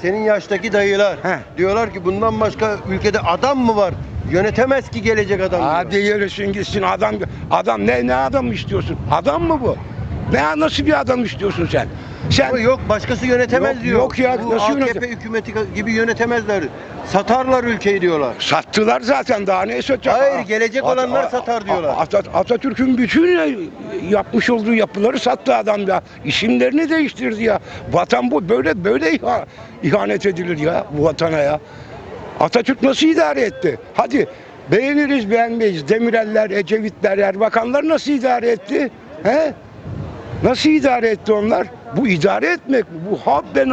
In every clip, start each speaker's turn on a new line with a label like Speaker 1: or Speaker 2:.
Speaker 1: senin yaştaki dayılar diyorlar ki bundan başka ülkede adam mı var? Yönetemez ki gelecek adam.
Speaker 2: Hadi yürüsün gitsin adam ne adam istiyorsun? Adam mı bu? Nasıl bir adam istiyorsun sen?
Speaker 1: Ama yok başkası yönetemez
Speaker 2: Yok,
Speaker 1: diyor.
Speaker 2: yok ya,
Speaker 1: Bu
Speaker 2: nasıl
Speaker 1: AKP hükümeti gibi yönetemezler. Satarlar ülkeyi diyorlar.
Speaker 2: Sattılar zaten, daha ne satacak?
Speaker 1: Hayır, gelecek olanlar satar diyorlar.
Speaker 2: Atatürk'ün bütün yapmış olduğu yapıları sattı adam ya. İsimlerini değiştirdi ya. Vatan bu böyle ihanet edilir ya bu vatana ya. Atatürk nasıl idare etti? Hadi beğeniriz beğenmeyiz. Demirel'ler, Ecevitler, Erbakanlar nasıl idare etti? He? Nasıl idare etti onlar? Bu idare etmek mi? Bu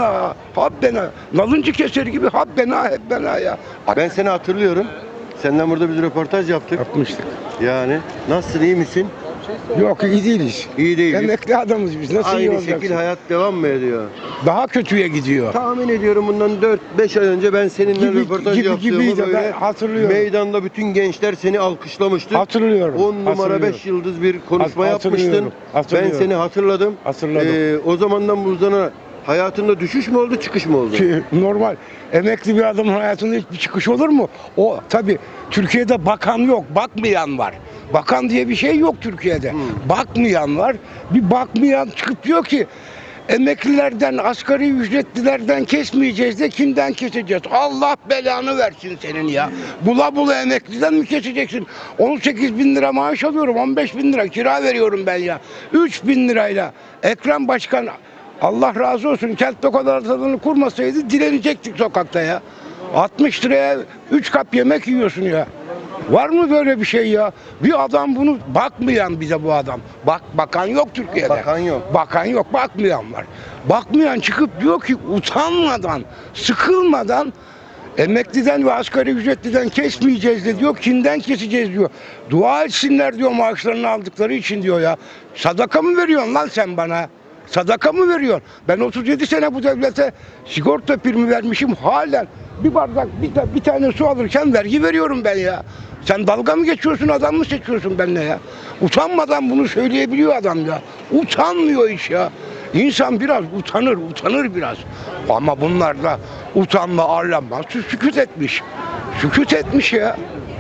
Speaker 2: habbena. Nalıncı keseri gibi habbena ya.
Speaker 1: Ben seni hatırlıyorum. Senden burada bir röportaj yaptık.
Speaker 2: Yapmıştık.
Speaker 1: Yani nasılsın, iyi misin?
Speaker 2: Yok, iyi değiliz.
Speaker 1: İyi değiliz.
Speaker 2: Emekli adamız biz. Nasıl iyi
Speaker 1: Aynı
Speaker 2: olacaksın?
Speaker 1: şekil hayat devam mı ediyor?
Speaker 2: Daha kötüye gidiyor.
Speaker 1: Tahmin ediyorum bundan 4-5 ay önce ben seninle röportaj yaptığımı
Speaker 2: gibiydi,
Speaker 1: böyle
Speaker 2: ben hatırlıyorum.
Speaker 1: meydanda bütün gençler seni alkışlamıştı.
Speaker 2: Hatırlıyorum.
Speaker 1: 10 numara 5 yıldız bir konuşma yapmıştın. Ben seni hatırladım. O zamandan bu zamana hayatında düşüş mü oldu, çıkış mı oldu?
Speaker 2: Normal. Emekli bir adamın hayatında hiçbir çıkış olur mu? O tabii Türkiye'de bakan yok, bakmayan var. Bakan diye bir şey yok Türkiye'de. Bakmayan var. Bir bakmayan çıkıp diyor ki emeklilerden, asgari ücretlilerden kesmeyeceğiz de kimden keseceğiz? Allah belanı versin senin ya. Bula bula emekliden mi keseceksin? 18 bin lira maaş alıyorum, 15 bin lira kira veriyorum ben ya. 3 bin lirayla Ekrem Başkan, Allah razı olsun, kent lokantalarını kurmasaydı dilenecektik sokakta ya. 60 liraya 3 kap yemek yiyorsun ya. Var mı böyle bir şey ya? Bir adam bunu bakmayan, bize bu adam. Bakan yok Türkiye'de.
Speaker 1: Bakan yok.
Speaker 2: Bakan yok, bakmayan var. Bakmayan çıkıp diyor ki utanmadan, sıkılmadan emekliden ve asgari ücretliden kesmeyeceğiz de diyor. Kimden keseceğiz diyor. Dua etsinler diyor maaşlarını aldıkları için diyor ya. Sadaka mı veriyorsun lan sen bana? Sadaka mı veriyorsun? Ben 37 sene bu devlete sigorta primi vermişim, halen bir bardak bir tane su alırken vergi veriyorum ben ya. Sen dalga mı geçiyorsun, adam mı seçiyorsun benimle ya? Utanmadan bunu söyleyebiliyor adam ya. Utanmıyor hiç ya. İnsan biraz utanır biraz. Ama bunlar da utanma, arlanma, sükût etmiş. Sükût etmiş ya.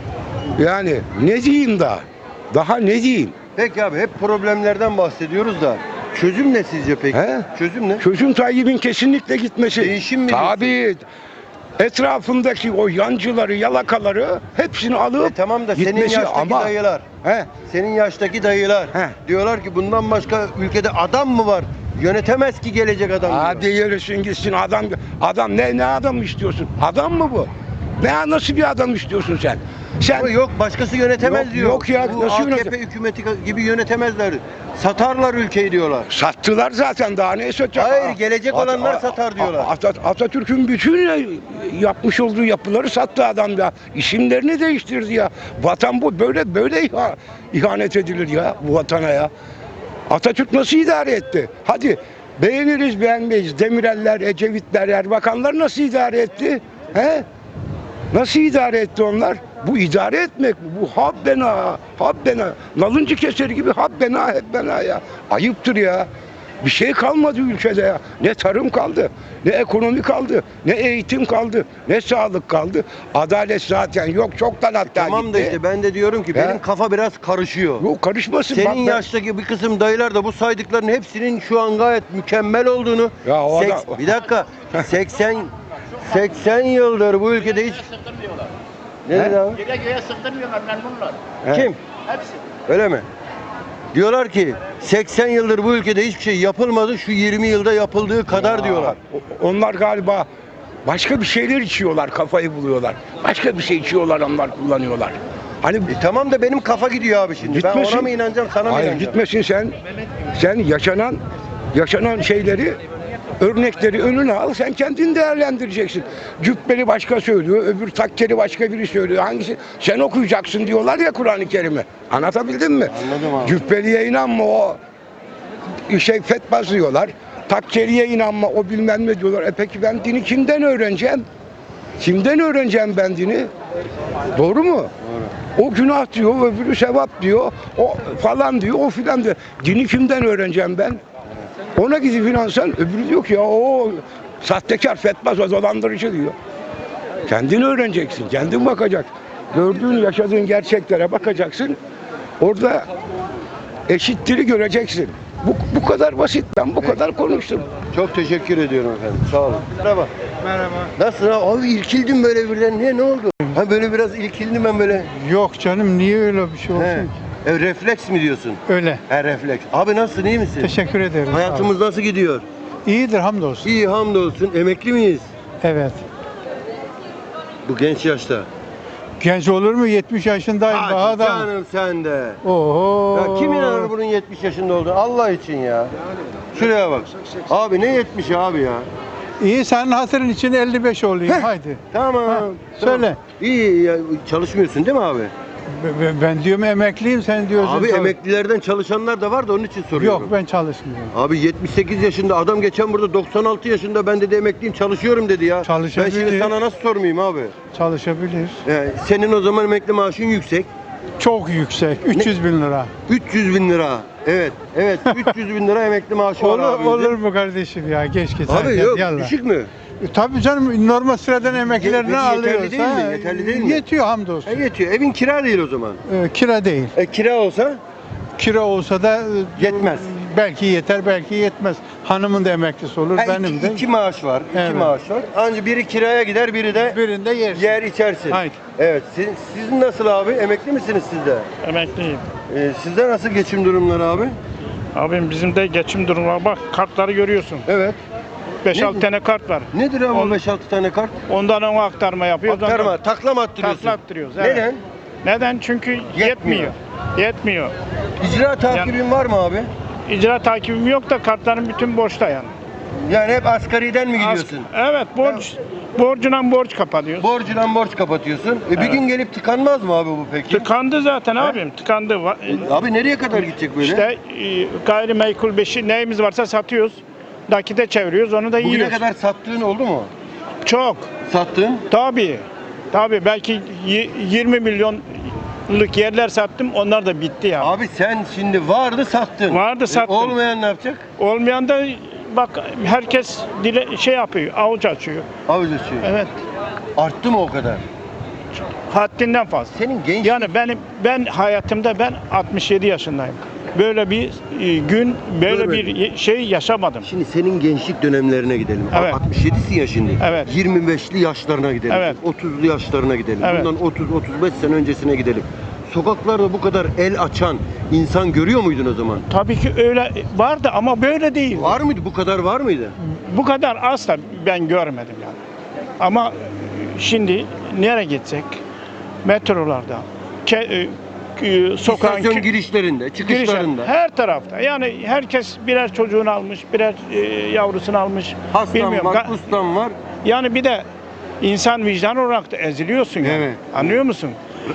Speaker 2: Yani ne diyeyim daha? Daha ne diyeyim?
Speaker 1: Peki abi, hep problemlerden bahsediyoruz da çözüm ne sizce peki? Çözüm ne?
Speaker 2: Çözüm Tayyip'in kesinlikle gitmesi.
Speaker 1: Değişim mi diyorsun?
Speaker 2: Tabii. Etrafındaki o yancıları, yalakaları hepsini alıp
Speaker 1: Tamam da senin
Speaker 2: gitmesi
Speaker 1: yaştaki dayılar, senin yaştaki dayılar diyorlar ki bundan başka ülkede adam mı var? Yönetemez ki gelecek adam.
Speaker 2: Hadi yürüsün gitsin adam ne adam istiyorsun? Adam mı bu? Nasıl bir adam istiyorsun sen?
Speaker 1: Ama yok başkası yönetemez
Speaker 2: Yok,
Speaker 1: diyor.
Speaker 2: yok ya,
Speaker 1: Bu
Speaker 2: nasıl
Speaker 1: AKP hükümeti gibi yönetemezler. Satarlar ülkeyi diyorlar.
Speaker 2: Sattılar zaten, daha ne satacak?
Speaker 1: Hayır, gelecek olanlar satar diyorlar.
Speaker 2: Atatürk'ün bütün yapmış olduğu yapıları sattı adam ya. İsimlerini değiştirdi ya. Vatan bu böyle ihanet edilir ya bu vatana ya. Atatürk nasıl idare etti? Hadi beğeniriz beğenmeyiz. Demirel'ler, Ecevitler, Erbakanlar nasıl idare etti? He? Nasıl idare etti onlar? Bu idare etmek mi? Bu habbena. Nalıncı keseri gibi habbena ya. Ayıptır ya. Bir şey kalmadı ülkede ya. Ne tarım kaldı, ne ekonomi kaldı, ne eğitim kaldı, ne sağlık kaldı. Adalet zaten yok, çoktan hatta
Speaker 1: Tamam
Speaker 2: gitti.
Speaker 1: da işte ben de diyorum ki benim kafa biraz karışıyor.
Speaker 2: Yok, karışmasın.
Speaker 1: Senin yaştaki bir kısım dayılar da bu saydıkların hepsinin şu an gayet mükemmel olduğunu.
Speaker 2: Ya o adam...
Speaker 1: Bir dakika. 80 yıldır bu ülkede hiç... Ne dedi abi?
Speaker 3: Gece göğe sıktırmıyorlar memnunlar.
Speaker 1: Kim?
Speaker 3: Hepsi.
Speaker 1: Öyle mi? Diyorlar ki 80 yıldır bu ülkede hiçbir şey yapılmadı, şu 20 yılda yapıldığı kadar diyorlar.
Speaker 2: Onlar galiba başka bir şeyler içiyorlar, kafayı buluyorlar. Başka bir şey içiyorlar, onlar kullanıyorlar. Hani
Speaker 1: Tamam da benim kafa gidiyor abi şimdi.
Speaker 2: Gitmesin.
Speaker 1: Ben ona mı inanacağım, sana mı
Speaker 2: hayır,
Speaker 1: inanacağım?
Speaker 2: gitmesin sen yaşanan şeyleri, örnekleri önüne al, sen kendin değerlendireceksin. Cübbeli başka söylüyor, öbür takkeli başka biri söylüyor. Hangisi? Sen okuyacaksın diyorlar ya Kur'an-ı Kerim'i. Anlatabildim mi?
Speaker 1: Anladım abi.
Speaker 2: Cübbeliye inanma, o fetva diyorlar. Takkeliye inanma, o bilmem ne diyorlar. Peki ben dini kimden öğreneceğim? Kimden öğreneceğim ben dini? Doğru mu? Doğru. O günah diyor, öbürü sevap diyor, o falan diyor, o filan diyor. Dini kimden öğreneceğim ben? Ona gidip inansan, öbürü diyor ki ya o Sahtekar, fetbaz, o dolandırıcı diyor. Kendin öğreneceksin, kendin bakacak. Gördüğün, yaşadığın gerçeklere bakacaksın. Orada eşitliği göreceksin. Bu kadar basit. Ben bu kadar konuştum.
Speaker 1: Çok teşekkür ediyorum efendim. Sağ olun. Merhaba.
Speaker 4: Merhaba.
Speaker 1: Nasılsın abi? İrkildim böyle birden. Niye? Ne oldu? Ha böyle biraz irkildim ben böyle.
Speaker 4: Yok canım, niye öyle bir şey olsun
Speaker 1: He.
Speaker 4: ki?
Speaker 1: Refleks mi diyorsun?
Speaker 4: Öyle.
Speaker 1: He, refleks. Abi nasılsın? İyi misin?
Speaker 4: Teşekkür ederim.
Speaker 1: Hayatımız nasıl gidiyor?
Speaker 4: Abi. İyidir, hamdolsun.
Speaker 1: İyi, hamdolsun. Emekli miyiz?
Speaker 4: Evet.
Speaker 1: Bu genç yaşta.
Speaker 4: Genç olur mu? 70 yaşındayım daha
Speaker 1: Hadi
Speaker 4: da.
Speaker 1: canım sen de.
Speaker 4: Oho.
Speaker 1: Ya kim inanır bunun 70 yaşında olduğunu? Allah için ya. Şuraya bak. Abi ne 70 abi ya?
Speaker 4: İyi, senin hatırın için 55 olayım.
Speaker 1: Heh.
Speaker 4: Haydi.
Speaker 1: Tamam.
Speaker 4: Ha,
Speaker 1: tamam.
Speaker 4: söyle.
Speaker 1: İyi ya, çalışmıyorsun değil mi abi?
Speaker 4: Ben diyorum emekliyim, sen diyorsun.
Speaker 1: Abi
Speaker 4: çalış-
Speaker 1: emeklilerden çalışanlar da var da onun için soruyorum.
Speaker 4: Yok, ben çalışmıyorum.
Speaker 1: Abi 78 yaşında adam geçen burada 96 yaşında ben dedi emekliyim çalışıyorum dedi ya. Ben
Speaker 4: Çalışabilir.
Speaker 1: şimdi sana nasıl sormayayım abi?
Speaker 4: Çalışabilir.
Speaker 1: Senin o zaman emekli maaşın yüksek.
Speaker 4: Çok yüksek. 300 bin lira.
Speaker 1: 300 bin lira. Evet. 300 bin lira emekli maaşı var abi.
Speaker 4: Olur mu kardeşim ya? Geç git.
Speaker 1: Abi
Speaker 4: hadi,
Speaker 1: yok
Speaker 4: yallah.
Speaker 1: düşük mü?
Speaker 4: Tabii canım, normal sıradan emekliler ne
Speaker 1: Yeterli
Speaker 4: alıyorsa
Speaker 1: değil mi? Yeterli değil mi?
Speaker 4: yetiyor hamdolsun.
Speaker 1: Yetiyor. Evin kira değil o zaman.
Speaker 4: Kira değil.
Speaker 1: Kira olsa
Speaker 4: Kira olsa da
Speaker 1: Yetmez.
Speaker 4: Belki yeter, belki yetmez. Hanımın da emeklisi olur, benim de.
Speaker 1: iki maaş var.
Speaker 4: Evet.
Speaker 1: İki maaş var. Anca biri kiraya gider, biri de
Speaker 4: Birinde yer.
Speaker 1: yer içersin.
Speaker 4: Haydi.
Speaker 1: Evet. Sizin nasıl abi? Emekli misiniz siz de?
Speaker 5: Emekliyim.
Speaker 1: Sizde nasıl geçim durumları abi?
Speaker 5: Abim bizim de geçim durumu var. Bak kartları görüyorsun.
Speaker 1: Evet.
Speaker 5: 5-6
Speaker 1: Ne-
Speaker 5: tane kart var.
Speaker 1: Nedir abi
Speaker 5: On-
Speaker 1: 5-6 tane kart?
Speaker 5: Ondan ona aktarma yapıyoruz.
Speaker 1: Aktarma, takla mı attırıyorsun?
Speaker 5: Takla attırıyoruz. Evet.
Speaker 1: Neden?
Speaker 5: Neden? Çünkü yetmiyor. Yetmiyor.
Speaker 1: İcra takibin var mı abi?
Speaker 5: İcra takibim yok da kartların bütün borçta yani.
Speaker 1: Yani hep asgariden mi gidiyorsun?
Speaker 5: Evet, borcuna borç kapatıyoruz.
Speaker 1: Borcundan borç kapatıyorsun. Bir
Speaker 5: Evet.
Speaker 1: gün gelip tıkanmaz mı abi bu peki?
Speaker 5: Tıkandı zaten abim. Tıkandı.
Speaker 1: Abi nereye kadar gidecek böyle?
Speaker 5: İşte gayrimenkul beşi neyimiz varsa satıyoruz. Nakite çeviriyoruz, onu da
Speaker 1: Bugüne
Speaker 5: yiyoruz.
Speaker 1: kadar sattığın oldu mu?
Speaker 5: Çok.
Speaker 1: Sattın?
Speaker 5: Tabii. Tabii belki 20 milyonluk yerler sattım. Onlar da bitti ya.
Speaker 1: Abi sen şimdi vardı sattın.
Speaker 5: Vardı, sattım.
Speaker 1: Olmayan ne yapacak?
Speaker 5: Olmayan da bak herkes şey yapıyor, avuç açıyor.
Speaker 1: Avuç açıyor.
Speaker 5: Evet.
Speaker 1: Arttı mı o kadar?
Speaker 5: Haddinden fazla.
Speaker 1: Senin genç
Speaker 5: Yani ben hayatımda 67 yaşındayım. Böyle bir gün, böyle
Speaker 1: Görmedim.
Speaker 5: bir şey yaşamadım.
Speaker 1: Şimdi senin gençlik dönemlerine gidelim.
Speaker 5: Evet.
Speaker 1: 67'sin ya şimdi.
Speaker 5: Evet.
Speaker 1: 25'li yaşlarına gidelim.
Speaker 5: Evet.
Speaker 1: 30'lu yaşlarına gidelim.
Speaker 5: Evet.
Speaker 1: Bundan 30-35 sene öncesine gidelim. Sokaklarda bu kadar el açan insan görüyor muydun o zaman?
Speaker 5: Tabii ki öyle vardı ama böyle değil.
Speaker 1: Var mıydı? Bu kadar var mıydı?
Speaker 5: Bu kadar asla ben görmedim yani. Ama şimdi nereye gitsek metrolarda, sokağın
Speaker 1: İstasyon girişlerinde, çıkışlarında.
Speaker 5: her tarafta. Yani herkes birer çocuğunu almış, birer yavrusunu almış.
Speaker 1: Hastam
Speaker 5: Bilmiyorum.
Speaker 1: var, ustam var.
Speaker 5: Yani bir de insan vicdan olarak da eziliyorsun yani.
Speaker 1: Evet.
Speaker 5: Anlıyor musun?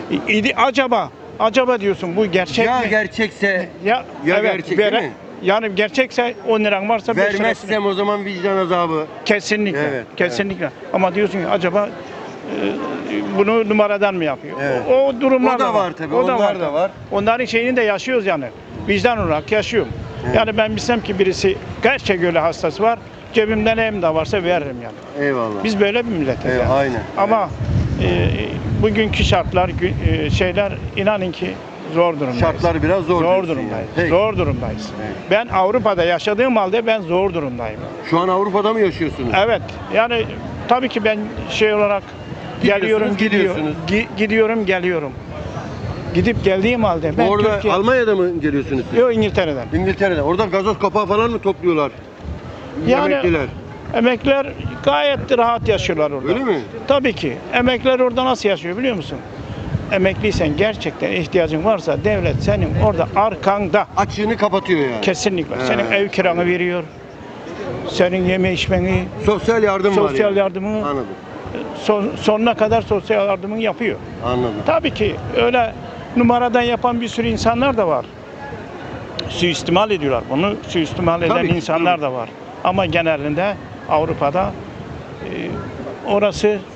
Speaker 5: Acaba diyorsun bu gerçek
Speaker 1: Ya
Speaker 5: mi?
Speaker 1: gerçekse
Speaker 5: Ya
Speaker 1: ya gerçek değil mi?
Speaker 5: Yani gerçekse 10 liran varsa 5 lirasını.
Speaker 1: Vermezsem o zaman vicdan azabı.
Speaker 5: Kesinlikle.
Speaker 1: Evet,
Speaker 5: Kesinlikle. Ama diyorsun ki acaba bunu numaradan mı yapıyor?
Speaker 1: Evet.
Speaker 5: O durumlar
Speaker 1: O da var tabii, onlar da var.
Speaker 5: Onların şeyini de yaşıyoruz yani. Vicdan olarak yaşıyorum.
Speaker 1: Evet.
Speaker 5: Yani ben bilsem ki birisi gerçek öyle hastası var, cebimde neyim de varsa veririm yani.
Speaker 1: Eyvallah.
Speaker 5: Biz böyle bir milletiz
Speaker 1: Evet,
Speaker 5: yani.
Speaker 1: aynen.
Speaker 5: Ama bugünkü şartlar, şeyler inanın ki zor durumdayız.
Speaker 1: Şartlar biraz zor.
Speaker 5: Zor
Speaker 1: diyorsun
Speaker 5: durumdayız.
Speaker 1: yani. Peki.
Speaker 5: Zor durumdayız.
Speaker 1: Evet.
Speaker 5: Ben Avrupa'da yaşadığım halde ben zor durumdayım.
Speaker 1: Şu an Avrupa'da mı yaşıyorsunuz?
Speaker 5: Evet. Yani tabii ki ben şey olarak
Speaker 1: Gidiyorsunuz,
Speaker 5: geliyorum, gidiyorum, geliyorum. Gidip geldiğim halde ben
Speaker 1: Orada
Speaker 5: Türkiye...
Speaker 1: Almanya'da mı geliyorsunuz siz?
Speaker 5: Yok, İngiltere'den.
Speaker 1: İngiltere'de. Orada gazoz kapağı falan mı topluyorlar?
Speaker 5: Yani-
Speaker 1: Emekliler.
Speaker 5: Emekliler gayet rahat yaşıyorlar orada.
Speaker 1: Öyle mi?
Speaker 5: Tabii ki. Emekliler orada nasıl yaşıyor biliyor musun? Emekliysen, gerçekten ihtiyacın varsa devlet senin orada arkanda.
Speaker 1: Açığını kapatıyor yani.
Speaker 5: Kesinlikle.
Speaker 1: He.
Speaker 5: Senin ev kiranı veriyor. Senin yeme içmeni,
Speaker 1: Sosyal yardım var
Speaker 5: sosyal
Speaker 1: yani.
Speaker 5: yardımını
Speaker 1: Anladım.
Speaker 5: sonuna kadar sosyal yardımını yapıyor.
Speaker 1: Anladım.
Speaker 5: Tabii ki öyle numaradan yapan bir sürü insanlar da var. Suistimal ediyorlar. Bunu suistimal eden
Speaker 1: Tabii ki,
Speaker 5: insanlar
Speaker 1: tabii.
Speaker 5: da var. Ama genelinde Avrupa'da orası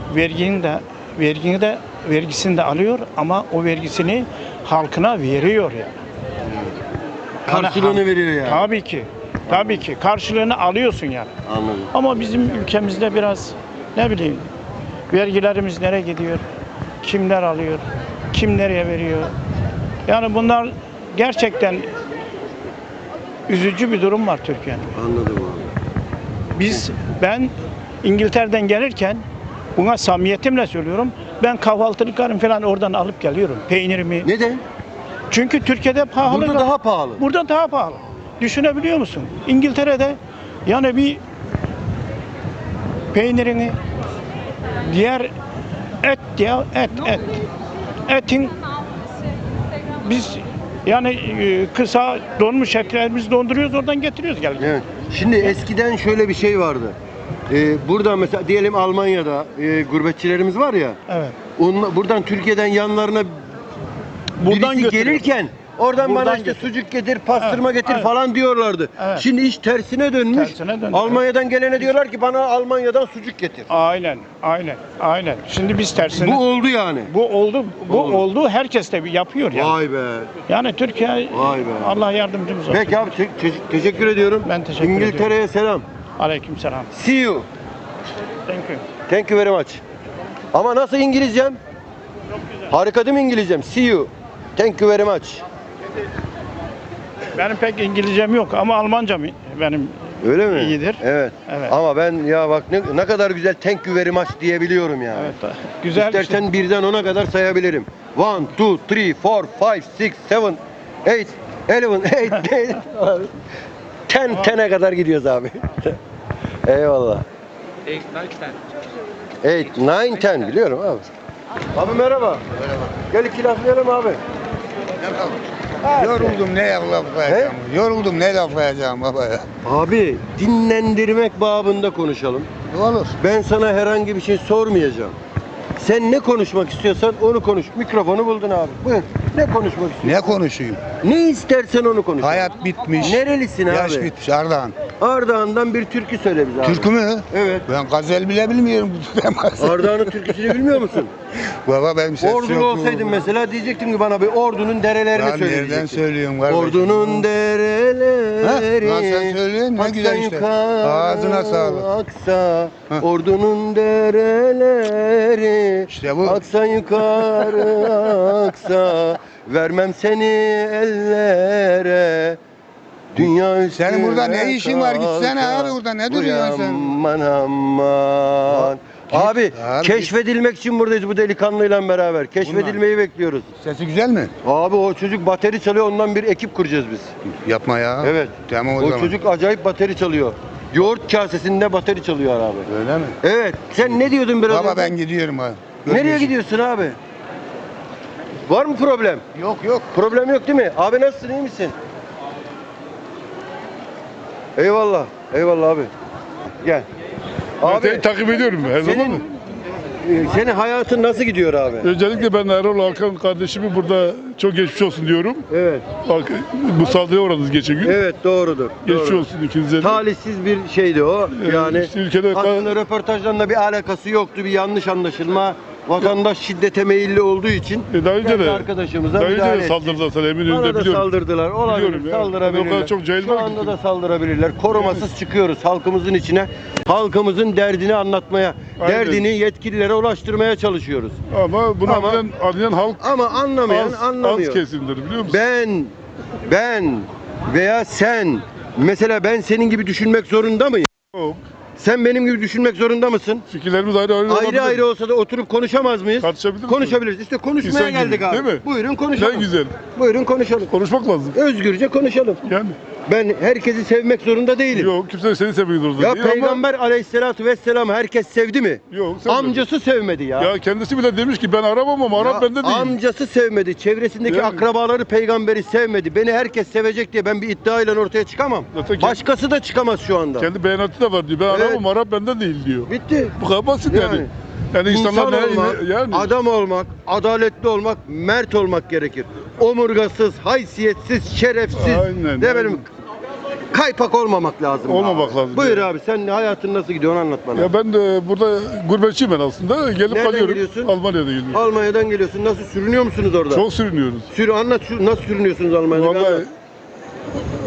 Speaker 5: vergisini de alıyor ama o vergisini halkına veriyor yani.
Speaker 1: Karşılığını veriyor yani.
Speaker 5: Tabii ki. Tabii ki karşılığını alıyorsun yani.
Speaker 1: Anladım.
Speaker 5: Ama bizim ülkemizde biraz ne bileyim vergilerimiz nereye gidiyor? Kimler alıyor? Kim nereye veriyor? Yani bunlar gerçekten üzücü bir durum var Türkiye'de.
Speaker 1: Anladım abi.
Speaker 5: Ben İngiltere'den gelirken buna samimiyetimle söylüyorum. Ben kahvaltılıklarımı falan oradan alıp geliyorum. Peynirimi.
Speaker 1: Neden?
Speaker 5: Çünkü Türkiye'de pahalı.
Speaker 1: Burada daha pahalı.
Speaker 5: Burada daha pahalı. Düşünebiliyor musun? İngiltere'de yani bir peynirini diğer et ya et. Etin biz yani kısa donmuş etleri biz donduruyoruz oradan getiriyoruz geldik.
Speaker 1: Evet. Şimdi eskiden şöyle bir şey vardı. Burada mesela diyelim Almanya'da gurbetçilerimiz var ya.
Speaker 5: Evet.
Speaker 1: Buradan Türkiye'den yanlarına
Speaker 5: Buradan
Speaker 1: birisi
Speaker 5: götürüyor.
Speaker 1: gelirken oradan bana
Speaker 5: Buradan
Speaker 1: işte
Speaker 5: götürüyor.
Speaker 1: sucuk getir, pastırma
Speaker 5: Evet,
Speaker 1: getir
Speaker 5: evet.
Speaker 1: falan diyorlardı.
Speaker 5: Evet.
Speaker 1: Şimdi iş tersine dönmüş.
Speaker 5: Tersine döndü,
Speaker 1: Almanya'dan gelene diyorlar ki bana Almanya'dan sucuk getir.
Speaker 5: Aynen. Şimdi biz tersine.
Speaker 1: Bu oldu yani.
Speaker 5: Bu
Speaker 1: Oldu.
Speaker 5: oldu. Herkes de yapıyor yani.
Speaker 1: Vay be.
Speaker 5: Yani Türkiye
Speaker 1: Vay be.
Speaker 5: Allah yardımcımız olsun.
Speaker 1: Peki abi teşekkür ediyorum.
Speaker 5: Ben teşekkür
Speaker 1: İngiltere'ye selam.
Speaker 5: Aleykümselam.
Speaker 1: See you.
Speaker 5: Thank you.
Speaker 1: Thank you very much. Ama nasıl İngilizcem? Harika değil mi İngilizcem? See you. Thank you very much.
Speaker 5: Benim pek İngilizcem yok ama Almancam benim
Speaker 1: Öyle mi?
Speaker 5: İyidir.
Speaker 1: Evet.
Speaker 5: Evet.
Speaker 1: Ama ben ya bak ne kadar güzel thank you very much diyebiliyorum yani.
Speaker 5: evet güzel.
Speaker 1: İstersen birden 10'a kadar sayabilirim. 1, 2, 3, 4, 5, 6, 7, 8, 11, 8, 10'e kadar gidiyoruz abi. Eyvallah. 8, 9, 10 biliyorum abi. Abi merhaba. Gel iki laflayalım abi.
Speaker 2: Yoruldum ne laflayacağım. Yoruldum ne laflayacağım baba ya.
Speaker 1: Abi dinlendirmek babında konuşalım.
Speaker 2: Olur.
Speaker 1: Ben sana herhangi bir şey sormayacağım. Sen ne konuşmak istiyorsan onu konuş. Mikrofonu buldun abi. Buyur. Ne konuşmak istiyorsun?
Speaker 2: Ne konuşayım?
Speaker 1: Ne istersen onu konuş.
Speaker 2: Hayat bitmiş.
Speaker 1: Nerelisin
Speaker 2: Yaş
Speaker 1: abi?
Speaker 2: bitmiş Ardahan.
Speaker 1: Ardahan'dan bir türkü söyle bize abi.
Speaker 2: Türkü mü?
Speaker 1: Evet.
Speaker 2: Ben gazel bile bilmiyorum.
Speaker 1: Ardahan'ın türküsünü bilmiyor musun?
Speaker 2: Baba benim sesim
Speaker 1: Ordulu olsaydın mesela diyecektim ki bana bir ordunun derelerini
Speaker 2: Ben
Speaker 1: söyle
Speaker 2: nereden
Speaker 1: diyecektin.
Speaker 2: söylüyorum kardeşim?
Speaker 1: Ordunun dereleri.
Speaker 2: Ha? Lan sen söylüyorsun, ne
Speaker 1: aksa
Speaker 2: güzel işte.
Speaker 1: yukarı
Speaker 2: Ağzına sağlık.
Speaker 1: Aksa
Speaker 2: Ha.
Speaker 1: ordunun dereleri.
Speaker 2: İşte bu.
Speaker 1: Aksa yukarı aksa. Vermem seni ellere. Dünya üstüne
Speaker 2: Senin burada ne işin var? Gitsene
Speaker 1: kalka.
Speaker 2: abi burada, ne duruyorsun sen?
Speaker 1: Aman aman. Abi
Speaker 2: Abi,
Speaker 1: keşfedilmek için buradayız bu delikanlıyla beraber. Keşfedilmeyi bekliyoruz.
Speaker 2: Sesi güzel mi?
Speaker 1: Abi o çocuk bateri çalıyor, ondan bir ekip kuracağız biz.
Speaker 2: Yapma ya.
Speaker 1: Evet.
Speaker 2: Tamam o
Speaker 1: O
Speaker 2: zaman.
Speaker 1: çocuk acayip bateri çalıyor. Yoğurt kasesinde bateri çalıyor abi.
Speaker 2: Öyle mi?
Speaker 1: Evet. Sen ne diyordun biraz
Speaker 2: Baba
Speaker 1: önce?
Speaker 2: ben gidiyorum abi.
Speaker 1: Nereye
Speaker 2: Görüşürüz.
Speaker 1: gidiyorsun abi? Var mı problem?
Speaker 2: Yok.
Speaker 1: Problem yok değil mi? Abi nasılsın, iyi misin? Eyvallah. Eyvallah abi. Gel.
Speaker 6: Seni takip ediyorum her zaman.
Speaker 1: Senin hayatın nasıl gidiyor abi?
Speaker 6: Öncelikle ben Erol Hakan kardeşimi burada çok geçmiş olsun diyorum.
Speaker 1: Evet.
Speaker 6: Bak, bu saldırıya uğradınız geçen gün.
Speaker 1: Evet doğrudur.
Speaker 6: Geçmiş
Speaker 1: doğru.
Speaker 6: olsun ikinize de.
Speaker 1: Talihsiz bir şeydi o. Yani
Speaker 6: işte ülkede
Speaker 1: aslında röportajdan bir alakası yoktu. Bir yanlış anlaşılma. Vatandaş şiddete meyilli olduğu için
Speaker 6: Daha önce
Speaker 1: kendi
Speaker 6: de
Speaker 1: arkadaşımıza
Speaker 6: daha önce
Speaker 1: müdahale
Speaker 6: de
Speaker 1: etti.
Speaker 6: saldırdılar sana
Speaker 1: Bana
Speaker 6: Eminönü'nde
Speaker 1: da
Speaker 6: biliyorum.
Speaker 1: saldırdılar. Olabilir,
Speaker 6: Biliyorum ya.
Speaker 1: saldırabilirler.
Speaker 6: O kadar çok cahil
Speaker 1: Şu
Speaker 6: var ki.
Speaker 1: anda da saldırabilirler. Korumasız çıkıyoruz halkımızın içine. Halkımızın derdini anlatmaya,
Speaker 6: Aynen.
Speaker 1: derdini yetkililere ulaştırmaya çalışıyoruz.
Speaker 6: Ama bunu
Speaker 1: Ama-
Speaker 6: anlayan halk
Speaker 1: Ama anlamayan
Speaker 6: az
Speaker 1: anlamıyor.
Speaker 6: kesimdir biliyor musun?
Speaker 1: Ben veya sen, mesela ben senin gibi düşünmek zorunda mıyım?
Speaker 6: Yok.
Speaker 1: Sen benim gibi düşünmek zorunda mısın?
Speaker 6: Fikirlerimiz ayrı
Speaker 1: Ayrı
Speaker 6: olabilir.
Speaker 1: ayrı olsa da oturup konuşamaz mıyız?
Speaker 6: Tartışabilir miyiz?
Speaker 1: Konuşabiliriz. İşte konuşmaya
Speaker 6: İnsan gibi,
Speaker 1: geldik abi.
Speaker 6: değil mi?
Speaker 1: Buyurun konuşalım.
Speaker 6: Ne güzel.
Speaker 1: Buyurun konuşalım.
Speaker 6: Konuşmak lazım.
Speaker 1: Özgürce konuşalım.
Speaker 6: Yani.
Speaker 1: Ben herkesi sevmek zorunda değilim.
Speaker 6: Yok kimse seni sevmek zorunda
Speaker 1: Ya
Speaker 6: değil ama-
Speaker 1: Peygamber aleyhissalatu vesselam herkes sevdi mi?
Speaker 6: Yok sevmedi.
Speaker 1: Amcası sevmedi ya.
Speaker 6: Ya kendisi bile demiş ki ben aramam ama Arap
Speaker 1: Ya
Speaker 6: bende değil.
Speaker 1: amcası sevmedi. Çevresindeki
Speaker 6: Yani.
Speaker 1: akrabaları peygamberi sevmedi. Beni herkes sevecek diye ben bir iddiayla ortaya çıkamam.
Speaker 6: Zaten kendi-
Speaker 1: Başkası da çıkamaz şu anda.
Speaker 6: Kendi beyanatı da var diyor. Ben
Speaker 1: Evet.
Speaker 6: aramam Arap bende değil diyor.
Speaker 1: Bitti.
Speaker 6: Bu kadar basit yani. Yani
Speaker 1: İnsan
Speaker 6: insanlar
Speaker 1: olmak,
Speaker 6: yani
Speaker 1: adam olmak, adaletli olmak, mert olmak gerekir. Omurgasız, haysiyetsiz, şerefsiz,
Speaker 6: Aynen,
Speaker 1: ne bileyim,
Speaker 6: aynen.
Speaker 1: kaypak olmamak lazım.
Speaker 6: Olmamak
Speaker 1: abi.
Speaker 6: lazım
Speaker 1: Buyur
Speaker 6: yani.
Speaker 1: abi, sen hayatın nasıl gidiyor onu anlat bana.
Speaker 6: ya ben de burada gurbetçiyim ben aslında. Gelip
Speaker 1: Nereden
Speaker 6: kalıyorum.
Speaker 1: geliyorsun?
Speaker 6: Almanya'da geliyorum.
Speaker 1: Almanya'dan geliyorsun. Nasıl sürünüyor musunuz orada?
Speaker 6: Çok sürünüyoruz.
Speaker 1: Anlat nasıl sürünüyorsunuz Almanya'da?
Speaker 6: Vallahi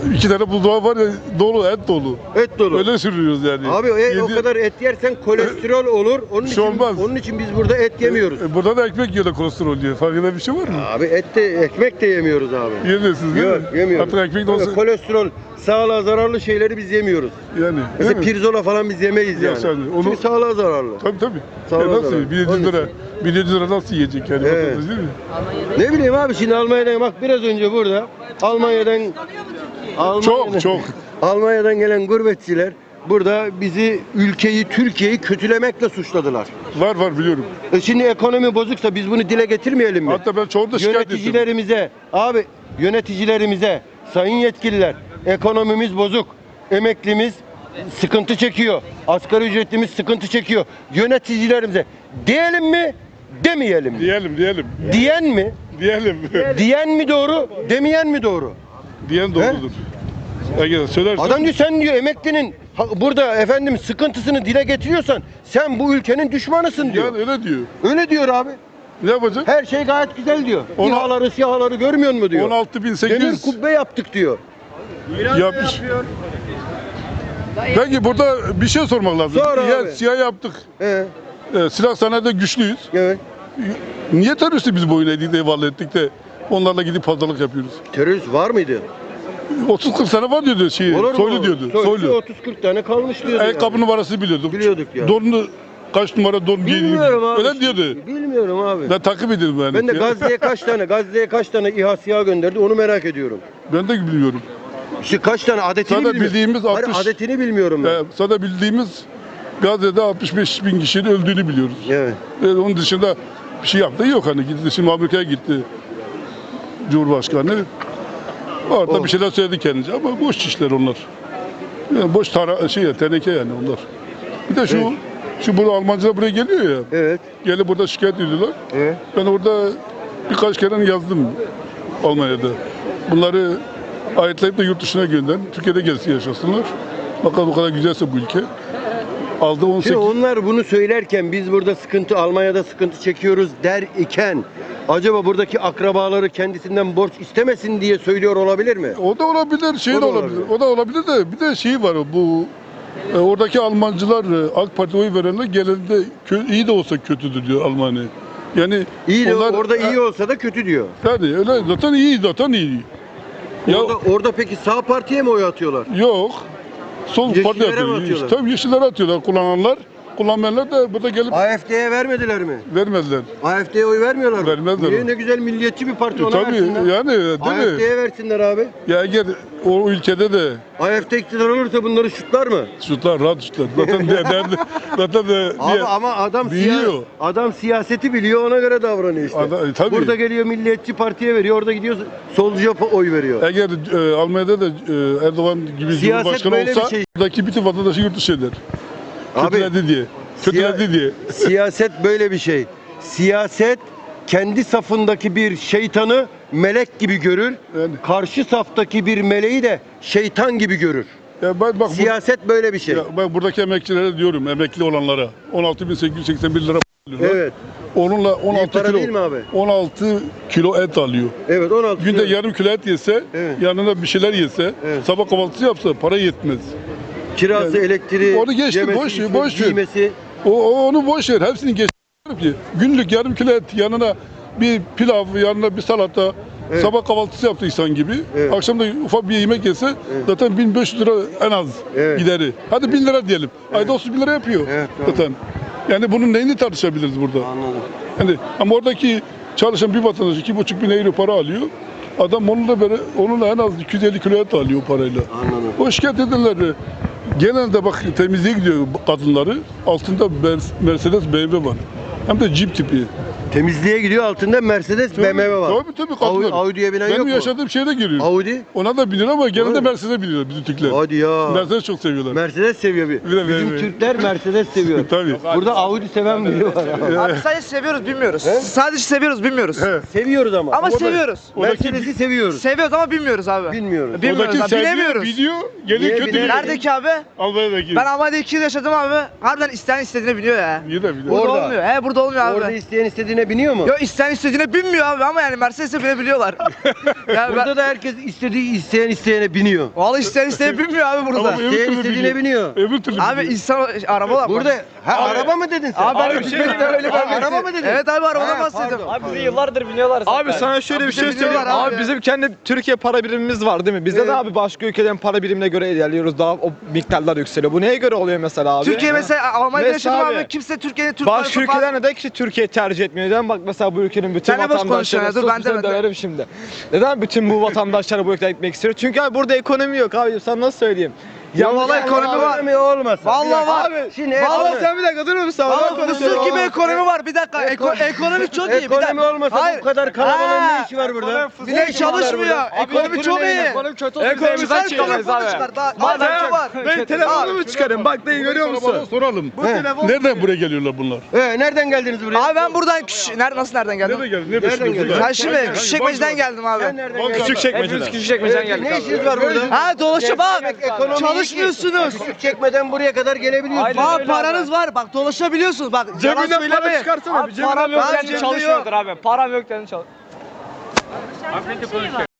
Speaker 6: 2 tane buzdağı var ya, dolu, et dolu.
Speaker 1: Et dolu.
Speaker 6: Öyle sürüyoruz yani.
Speaker 1: Abi o kadar et yersen kolesterol olur. Onun
Speaker 6: Bir
Speaker 1: için
Speaker 6: şey olmaz.
Speaker 1: onun için biz burada et yemiyoruz.
Speaker 6: Burada da ekmek yiyor da kolesterol yiyor. Farkında bir şey var mı?
Speaker 1: Abi et de ekmek de yemiyoruz abi.
Speaker 6: Yemiyorsunuz değil
Speaker 1: Yok
Speaker 6: mi?
Speaker 1: yemiyoruz.
Speaker 6: Artık ekmek de olsa
Speaker 1: Kolesterol, sağlığa zararlı şeyleri biz yemiyoruz.
Speaker 6: yani.
Speaker 1: Mesela
Speaker 6: değil mi?
Speaker 1: pirzola falan biz yemeyiz
Speaker 6: Yok
Speaker 1: yani.
Speaker 6: yani, onu-
Speaker 1: Çünkü sağlığa zararlı.
Speaker 6: Tabii.
Speaker 1: Sağ ol,
Speaker 6: Nasıl?
Speaker 1: sağ ol.
Speaker 6: 1700 lira. 1700 lira nasıl yiyecek yani?
Speaker 1: Evet.
Speaker 6: Vatandaş değil mi?
Speaker 1: Ne bileyim abi şimdi Almanya'dan bak biraz önce burada Almanya'dan
Speaker 6: Çok.
Speaker 1: Almanya'dan gelen gurbetçiler burada bizi ülkeyi Türkiye'yi kötülemekle suçladılar.
Speaker 6: Var biliyorum.
Speaker 1: Şimdi ekonomi bozuksa biz bunu dile getirmeyelim mi?
Speaker 6: Hatta ben çoğunu da şikayet ettim.
Speaker 1: Yöneticilerimize, sayın yetkililer, ekonomimiz bozuk, emeklimiz sıkıntı çekiyor, asgari ücretlimiz sıkıntı çekiyor. Yöneticilerimize diyelim mi, demeyelim mi?
Speaker 6: Diyelim.
Speaker 1: Diyen mi?
Speaker 6: Diyelim.
Speaker 1: Diyen mi doğru, demeyen mi doğru?
Speaker 6: Diyen doğrudur. Eğer söylersen
Speaker 1: Adam diyor sen diyor emeklinin burada efendim sıkıntısını dile getiriyorsan sen bu ülkenin düşmanısın diyor.
Speaker 6: yani öyle diyor.
Speaker 1: Öyle diyor abi.
Speaker 6: Ne yapacak?
Speaker 1: Her şey gayet güzel diyor.
Speaker 6: Ona-
Speaker 1: İHA'ları, SİHA'ları görmüyor mu diyor.
Speaker 6: 16.800
Speaker 1: Demir kubbe yaptık diyor.
Speaker 6: yapmış. Peki burada bir şey sormak lazım.
Speaker 1: Sor abi.
Speaker 6: Siyah yaptık. Silah sanayide güçlüyüz.
Speaker 1: Evet.
Speaker 6: Niye teröristi biz boyun eğdik de eyvallah ettik de onlarla gidip pazarlık yapıyoruz?
Speaker 1: Terörist var mıydı?
Speaker 6: 30-40 sene var diyordu Soylu diyordu. Soylu.
Speaker 1: 30-40 tane kalmış diyordu.
Speaker 6: Ayakkabı numarası biliyorduk.
Speaker 1: Biliyorduk ya.
Speaker 6: Donunu kaç numara don giydiğini
Speaker 1: Bilmiyorum abi.
Speaker 6: öyle diyordu.
Speaker 1: Bilmiyorum abi.
Speaker 6: Ben takip ediyordum yani.
Speaker 1: Ben de Gazze'ye kaç tane İHA SİHA gönderdi onu merak ediyorum.
Speaker 6: Ben de bilmiyorum.
Speaker 1: İşte kaç tane adetini
Speaker 6: Zaten
Speaker 1: bilmiyorum.
Speaker 6: bildiğimiz
Speaker 1: Hayır,
Speaker 6: 60
Speaker 1: adetini bilmiyorum ben.
Speaker 6: Sadece bildiğimiz Gazze'de 65 bin kişinin öldüğünü biliyoruz.
Speaker 1: Evet.
Speaker 6: Onun dışında bir şey yaptığı yok hani gitti şimdi Amerika'ya gitti Cumhurbaşkanı. Orada
Speaker 1: Oh.
Speaker 6: bir şeyler söyledi kendince ama boş işler onlar. Yani boş teneke yani onlar. Bir de
Speaker 1: Evet.
Speaker 6: şu bunu Almancılar buraya geliyor ya.
Speaker 1: Evet.
Speaker 6: Gelip burada şikayet ediyorlar.
Speaker 1: Evet.
Speaker 6: Ben orada birkaç kere yazdım Almanya'da. Bunları ayetleyip de yurt dışına gönderin. Türkiye'de gelsin yaşasınlar. Bakalım bu kadar güzelse bu ülke. Aldı 18.
Speaker 1: Şimdi onlar bunu söylerken biz burada Almanya'da sıkıntı çekiyoruz der iken acaba buradaki akrabaları kendisinden borç istemesin diye söylüyor olabilir mi?
Speaker 6: O da olabilir, şey
Speaker 1: O
Speaker 6: de
Speaker 1: da
Speaker 6: olabilir.
Speaker 1: olabilir.
Speaker 6: O da olabilir de bir de şey var bu oradaki Almancılar AK Parti oy verenler genelde iyi de olsa kötüdür diyor Almanya. Yani
Speaker 1: İyi de
Speaker 6: onlar,
Speaker 1: orada iyi olsa da kötü diyor.
Speaker 6: Yani öyle zaten iyi. Ya
Speaker 1: Orada peki sağ partiye mi oy atıyorlar?
Speaker 6: yok. Sol
Speaker 1: Yeşillere
Speaker 6: parti
Speaker 1: mi
Speaker 6: atıyor.
Speaker 1: atıyorlar?
Speaker 6: Tabii yeşillere atıyorlar kullananlar. Kullanmayanlar da burada gelip
Speaker 1: AfD'ye vermediler mi?
Speaker 6: vermediler.
Speaker 1: AfD'ye oy vermiyorlar mı?
Speaker 6: Vermezler.
Speaker 1: Niye? Ne güzel milliyetçi bir parti ona
Speaker 6: Tabii
Speaker 1: versinler.
Speaker 6: yani değil mi?
Speaker 1: AfD'ye versinler abi.
Speaker 6: Ya eğer o ülkede de
Speaker 1: AfD iktidar olursa bunları şutlar mı?
Speaker 6: şutlar, rahat şutlar. Zaten de
Speaker 1: Abi ama
Speaker 6: biliyor.
Speaker 1: adam siyaseti biliyor ona göre davranıyor işte.
Speaker 6: Tabii.
Speaker 1: Burada geliyor milliyetçi partiye veriyor, orada gidiyor solcuya oy veriyor.
Speaker 6: Eğer Almanya'da da Erdoğan gibi
Speaker 1: Siyaset
Speaker 6: Cumhurbaşkanı
Speaker 1: böyle bir
Speaker 6: olsa
Speaker 1: şey.
Speaker 6: buradaki bütün vatandaşı yurt dışı eder.
Speaker 1: Abi,
Speaker 6: Kötüledi diye. Kötüledi diye.
Speaker 1: Siyaset böyle bir şey. Siyaset kendi safındaki bir şeytanı melek gibi görür.
Speaker 6: Yani.
Speaker 1: Karşı saftaki bir meleği de şeytan gibi görür.
Speaker 6: Ya bak
Speaker 1: Siyaset böyle bir şey.
Speaker 6: bak buradaki emekçilere diyorum, emekli olanlara 16.881 lira alıyorlar.
Speaker 1: Evet.
Speaker 6: Onunla 16
Speaker 1: para
Speaker 6: kilo
Speaker 1: değil mi abi?
Speaker 6: 16 kilo et alıyor.
Speaker 1: Evet 16.
Speaker 6: Günde yarım kilo et yese,
Speaker 1: Evet.
Speaker 6: yanına bir şeyler yese,
Speaker 1: Evet.
Speaker 6: sabah kahvaltısı yapsa para yetmez.
Speaker 1: Kirası,
Speaker 6: Yani,
Speaker 1: elektriği,
Speaker 6: onu geçti,
Speaker 1: yemesi,
Speaker 6: boş ver,
Speaker 1: içmesi,
Speaker 6: boş ver.
Speaker 1: giymesi.
Speaker 6: Onu boş ver. Hepsini geç. Günlük yarım kilo et yanına bir pilav, yanına bir salata,
Speaker 1: Evet.
Speaker 6: sabah kahvaltısı yaptı insan gibi.
Speaker 1: Evet.
Speaker 6: Akşam da ufak bir yemek yese zaten 1500 lira en az
Speaker 1: Evet.
Speaker 6: gideri. Hadi 1000 lira diyelim. Ayda 30 bin lira yapıyor
Speaker 1: Evet, doğru.
Speaker 6: zaten. Yani bunun neyini tartışabiliriz burada?
Speaker 1: Anladım.
Speaker 6: Yani ama oradaki çalışan bir vatandaş 2,5 bin euro para alıyor. Adam onunla en az 250 kilo et alıyor parayla.
Speaker 1: Anladım.
Speaker 6: O şikayet ederler. Genelde bak temizliğe gidiyor kadınları. Altında Mercedes BMW var. Hem de Jeep tipi.
Speaker 1: Temizliğe gidiyor altında Mercedes, BMW var.
Speaker 6: Tabii kadınlar.
Speaker 1: Audi'ye binen
Speaker 6: Benim
Speaker 1: yok mu?
Speaker 6: yaşadığım şehre giriyor.
Speaker 1: Audi?
Speaker 6: Ona da biniyor ama genelde
Speaker 1: Öyle.
Speaker 6: Mercedes'e biniyor bizim Türkler.
Speaker 1: Hadi ya.
Speaker 6: Mercedes çok seviyorlar.
Speaker 1: Mercedes seviyor
Speaker 6: Bir
Speaker 1: Bizim
Speaker 6: de-
Speaker 1: Türkler Mercedes seviyor.
Speaker 6: Tabii.
Speaker 1: Burada Audi seven biri var. abi.
Speaker 7: Abi sadece seviyoruz bilmiyoruz. Sadece seviyoruz bilmiyoruz.
Speaker 6: He.
Speaker 1: Seviyoruz ama.
Speaker 7: Ama seviyoruz.
Speaker 1: Mercedes'i seviyoruz.
Speaker 7: Seviyoruz ama bilmiyoruz abi.
Speaker 1: Bilmiyoruz.
Speaker 7: Bilmiyoruz
Speaker 6: Oradaki
Speaker 7: abi.
Speaker 6: sevdiği
Speaker 7: Bilemiyoruz.
Speaker 6: Biliyor, geliyor
Speaker 1: Niye
Speaker 6: kötü
Speaker 1: bilemiyor?
Speaker 6: biliyor.
Speaker 7: Neredeki abi?
Speaker 6: Almanya'daki.
Speaker 7: Ben Almanya'da 2 yıl yaşadım abi. Harbiden isteyen istediğine biniyor ya.
Speaker 6: İyi de biliyor.
Speaker 7: Burada
Speaker 1: Orada.
Speaker 7: olmuyor. Burada olmuyor abi.
Speaker 1: Orada isteyen istediğine istediğine biniyor mu?
Speaker 7: Yok isteyen istediğine binmiyor abi ama yani Mercedes'e binebiliyorlar. Yani
Speaker 1: Burada da herkes isteyene biniyor.
Speaker 7: Vallahi isteyen istediğine binmiyor abi burada.
Speaker 6: Ama öbür
Speaker 1: İsteyen
Speaker 6: türlü
Speaker 1: istediğine
Speaker 6: biliyor.
Speaker 1: biniyor.
Speaker 6: Öbür türlü
Speaker 7: Abi
Speaker 6: biliyor.
Speaker 7: insan araba var.
Speaker 1: Burada araba mı dedin sen?
Speaker 7: Abi ben
Speaker 6: Abi,
Speaker 7: de
Speaker 6: bir şey
Speaker 7: Türkiye'den öyle
Speaker 1: Araba mı dedin?
Speaker 7: Evet abi arabadan
Speaker 1: Ha,
Speaker 7: bahsediyorum.
Speaker 1: pardon.
Speaker 8: Abi bizi yıllardır biniyorlar zaten.
Speaker 9: Abi sana şöyle bir şey
Speaker 7: Abi
Speaker 9: söyleyeyim.
Speaker 7: biliyorlar abi
Speaker 9: Abi
Speaker 7: ya.
Speaker 9: bizim kendi Türkiye para birimimiz var değil mi? Bizde de abi başka ülkelerin para birimine göre ilerliyoruz. Daha o miktarlar yükseliyor. Bu neye göre oluyor mesela abi?
Speaker 7: Türkiye mesela Almanya'da
Speaker 9: Mesela
Speaker 7: yaşadım
Speaker 9: abi.
Speaker 7: abi kimse Türkiye'nin Türk
Speaker 9: Başka
Speaker 7: parası
Speaker 9: ülkeler neden ki Türkiye tercih etmiyor? Neden bak mesela bu ülkenin bütün
Speaker 7: Sen ne boş
Speaker 9: vatandaşları
Speaker 7: konuşuyorsun ya? Dur, ben de-
Speaker 9: seni döverim şimdi. Neden bütün bu vatandaşlar bu ülkeye gitmek istiyor? Çünkü abi burada ekonomi yok abi. Sen nasıl söyleyeyim?
Speaker 7: Ya vallahi ekonomi var.
Speaker 1: Ekonomi olmasa.
Speaker 7: Vallahi var.
Speaker 9: Abi
Speaker 1: Şimdi
Speaker 9: vallahi
Speaker 1: ekonomi-
Speaker 9: sen bir dakika durur musun? abi? Ben
Speaker 7: Vallahi
Speaker 9: konuşuyorum.
Speaker 7: fıstık gibi ekonomi var. Bir dakika. Ekonomi çok iyi. Bir dakika.
Speaker 1: Ekonomi olmasa bu kadar kalabalığın ne işi var burada?
Speaker 7: Bir de çalışmıyor. Ekonomi çok iyi.
Speaker 9: Ekonomi kötü olsun.
Speaker 7: Ekonomi
Speaker 9: Ekonomiden
Speaker 7: sen
Speaker 9: çıkamayız abi.
Speaker 7: telefonu çıkar. Daha madem var.
Speaker 9: Ben telefonumu çıkarım. Bak dayı görüyor
Speaker 6: Arabadan
Speaker 9: musun?
Speaker 6: soralım. Nereden buraya geliyorlar bunlar?
Speaker 1: Nereden geldiniz buraya?
Speaker 7: Abi ben buradan nasıl nereden geldim?
Speaker 6: Nereden geldi? Nereden
Speaker 1: Nereden
Speaker 6: geldi?
Speaker 1: geldin?
Speaker 7: Ben şimdi Küçükçekmece'den geldim abi.
Speaker 1: Sen nereden geldin?
Speaker 9: Küçük çekmeceden.
Speaker 8: Küçük çekmeceden geldik
Speaker 1: Ne
Speaker 8: abi.
Speaker 1: işiniz var burada?
Speaker 7: Ha dolaşıp abi.
Speaker 1: Ekonomi
Speaker 7: Çalışmıyorsunuz.
Speaker 1: Küçük çekmeden buraya kadar gelebiliyorsunuz.
Speaker 8: Aynen
Speaker 7: Bak
Speaker 8: öyle
Speaker 7: paranız var. Bak dolaşabiliyorsunuz. Bak yalan
Speaker 9: Cebinden para
Speaker 7: söylemeyin.
Speaker 9: çıkarsana.
Speaker 8: Abi param yok
Speaker 7: Ben
Speaker 8: yani
Speaker 7: cebimde
Speaker 8: çalışmıyordur abi. Param yok yani çalış.